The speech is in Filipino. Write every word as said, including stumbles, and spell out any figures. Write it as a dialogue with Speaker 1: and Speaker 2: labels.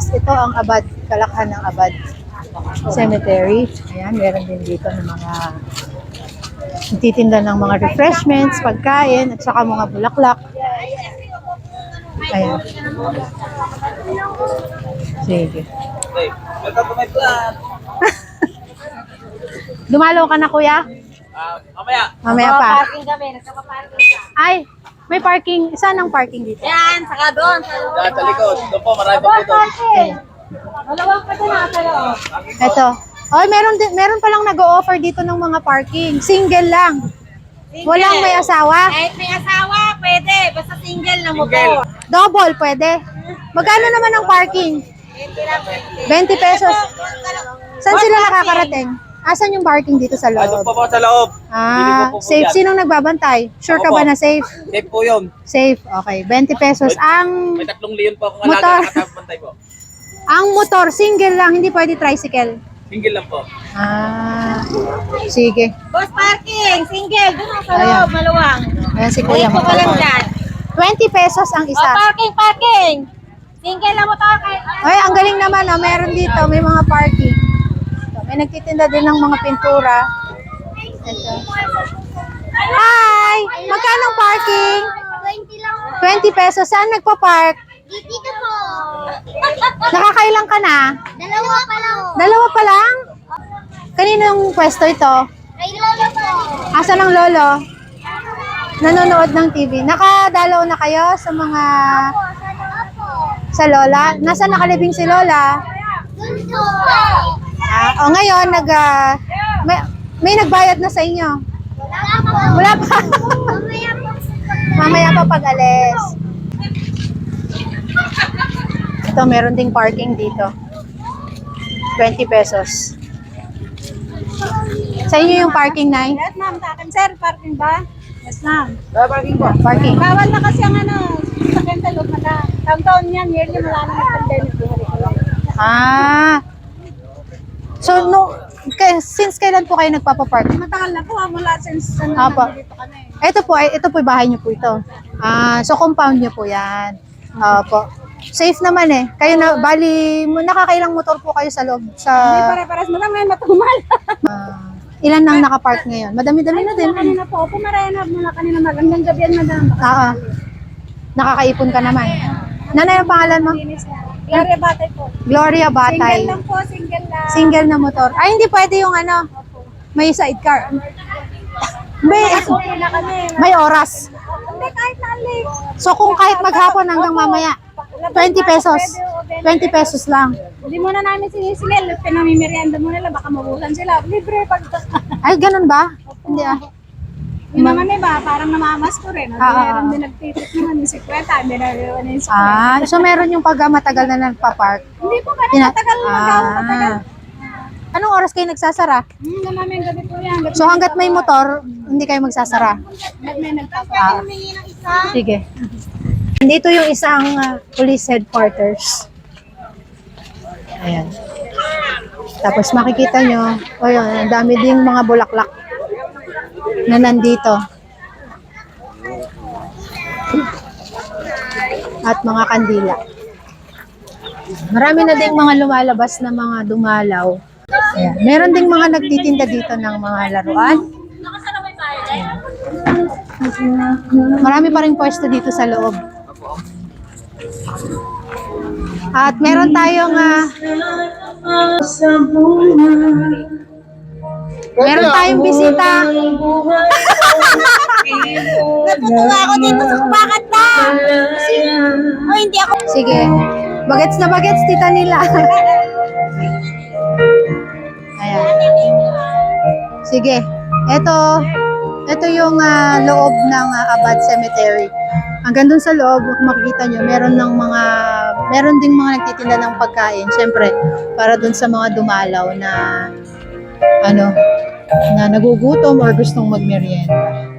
Speaker 1: Plus. Ito ang Abad, kalakhan ng Abad Cemetery. Ayan, meron din dito ng mga titinda ng mga refreshments, pagkain, at saka mga bulaklak. Ayan. Sige. Dumalo ka na, kuya?
Speaker 2: Uh, mamaya.
Speaker 1: Mamaya pa.
Speaker 3: Parking kami, nagpapaparking ka.
Speaker 1: Ay, may parking. Saan ang parking dito?
Speaker 3: Yan, saka doon. Sa
Speaker 2: Diyan sa likod. Doon po, marami po dito.
Speaker 3: Dalawang pa na sa loob.
Speaker 1: Ito. Oh, meron din, meron pa lang nag-o-offer dito ng mga parking. Single lang.
Speaker 3: Single.
Speaker 1: Walang may asawa.
Speaker 3: Kahit may asawa, pwede. Basta single na mo
Speaker 2: Single.
Speaker 3: po.
Speaker 1: Double, pwede. Magkano naman ang parking? twenty pesos. Saan sila nakakarating? Asan yung parking dito sa
Speaker 2: Ah, doon
Speaker 1: loob?
Speaker 2: po po sa loob. Bili
Speaker 1: Ah,
Speaker 2: po po po
Speaker 1: safe.
Speaker 2: yan.
Speaker 1: Sinong nagbabantay? Sure ka
Speaker 2: Ako
Speaker 1: ba
Speaker 2: po.
Speaker 1: na safe?
Speaker 2: Safe po yun.
Speaker 1: Safe. Okay. twenty pesos. Ang
Speaker 2: May tatlong leon po akong
Speaker 1: Motor.
Speaker 2: alaga nakatapantay po.
Speaker 1: ang motor, single lang. Hindi pwede tricycle.
Speaker 2: Single lang po.
Speaker 1: Ah, sige.
Speaker 3: Boss parking, single. Doon sa
Speaker 1: Ayan.
Speaker 3: loob, maluwang.
Speaker 1: Ayan si Kuya.
Speaker 3: Ayun po ka lang dyan.
Speaker 1: twenty pesos ang
Speaker 3: O,
Speaker 1: isa.
Speaker 3: parking, parking. Single na motor kahit
Speaker 1: Ay, ang galing naman. Oh. Meron dito. May mga parking. So, may nagtitinda din ng mga pintura. Ito. Hi! Magkano ang parking?
Speaker 3: twenty lang.
Speaker 1: twenty pesos. Saan nagpa-park?
Speaker 3: Dito po.
Speaker 1: Nakakailang ka na?
Speaker 3: Dalawa pa lang.
Speaker 1: Dalawa pa lang? Kaninong pwesto ito?
Speaker 3: Kay lolo po.
Speaker 1: Asan ang lolo? Nanonood ng T V. Nakadalaw na kayo sa mga... sa lola? Nasaan nakalibing si lola?
Speaker 3: Dun po.
Speaker 1: Ah, o ngayon, nag, ah, may, may nagbayad na sa inyo?
Speaker 3: Wala po.
Speaker 1: Wala pa.
Speaker 3: Mamaya po.
Speaker 1: Mamaya pa pag-alis. Ito, meron ding parking dito. twenty pesos. Sa inyo yung parking, Nay?
Speaker 3: Yes, ma'am. Sa akin, sir. Parking ba? Yes, ma'am.
Speaker 2: Ah, parking po.
Speaker 1: Parking.
Speaker 3: Bawal na kasi ang ano, sa Kentalog na na. Taon-taon yan, yearly wala na ng pandemic.
Speaker 1: Ah. So, no, kay, since kailan po kayo nagpapapark?
Speaker 3: Matagal na po, ah, mula since ano,
Speaker 1: Apo.
Speaker 3: nandito kami.
Speaker 1: Ito po, ay, ito po yung bahay niyo po ito. Ah, so compound niyo po yan. Opo. Safe naman eh. Kayo na, bali, nakakailang motor po kayo sa loob? Sa,
Speaker 3: Hindi pare-pares mo lang ngayon matumal.
Speaker 1: ah, ilan nang nakapark ngayon? Madami-dami na din.
Speaker 3: Kanina po, pumaraya na mula kanina mag hanggang gabi yan, madam.
Speaker 1: Ah, ah. Nakakaipon ka naman. Nanay, ang pangalan mo?
Speaker 3: Linis na. Gloria Batay po.
Speaker 1: Gloria Batay.
Speaker 3: Single lang po, single lang.
Speaker 1: Single na motor. Ay, hindi pwede yung ano, may sidecar. May,
Speaker 3: Okay na kami.
Speaker 1: may oras.
Speaker 3: Hindi, kahit na late.
Speaker 1: So kung kahit maghapon hanggang mamaya, twenty pesos. twenty pesos lang.
Speaker 3: Hindi muna namin sinisigil. Pinamimerienda mo nila, baka mabulan sila. Libre pag...
Speaker 1: Ay, ganun ba? Hindi ah.
Speaker 3: Yun naman iba, parang namamas ko rin.
Speaker 1: Ah, ah,
Speaker 3: Meron din nagtitit naman yung sikweta, hindi na rin yung sikweta.
Speaker 1: Ah, so meron yung pag matagal na nagpa-park.
Speaker 3: Hindi po ganun
Speaker 1: Tina-
Speaker 3: matagal mo daw, matagal.
Speaker 1: Ah. Anong oras kayo nagsasara?
Speaker 3: Hmm, na namin gabi po yan. Gabi
Speaker 1: So hanggat may motor, hindi kayo magsasara.
Speaker 3: Gabi may nagpapa.
Speaker 1: Ah.
Speaker 3: Humingi ng isa.
Speaker 1: Sige. Dito yung isang ah, police headquarters. Ayan. Tapos makikita nyo, o yun, ang dami ding mga bulaklak na nandito. At mga kandila. Marami na ding mga lumalabas na mga dumalaw. Ayan. Meron ding mga nagtitinda dito ng mga laruan. Ayan. Marami pa rin pwesto dito sa loob. At meron tayong ah, meron tayong bisita.
Speaker 3: Natutuwa ako dito sa kumakat na. Oh, hindi ako.
Speaker 1: Sige. Bagets na bagets, tita nila. Ayan. Sige. Ito, ito yung ah, loob ng ah, Abad Cemetery. Hanggang dun sa loob, kung makikita nyo, meron ng mga, meron ding mga nagtitinda ng pagkain. Siyempre, para dun sa mga dumalaw na, ano, na nagugutom or gustong magmerienda.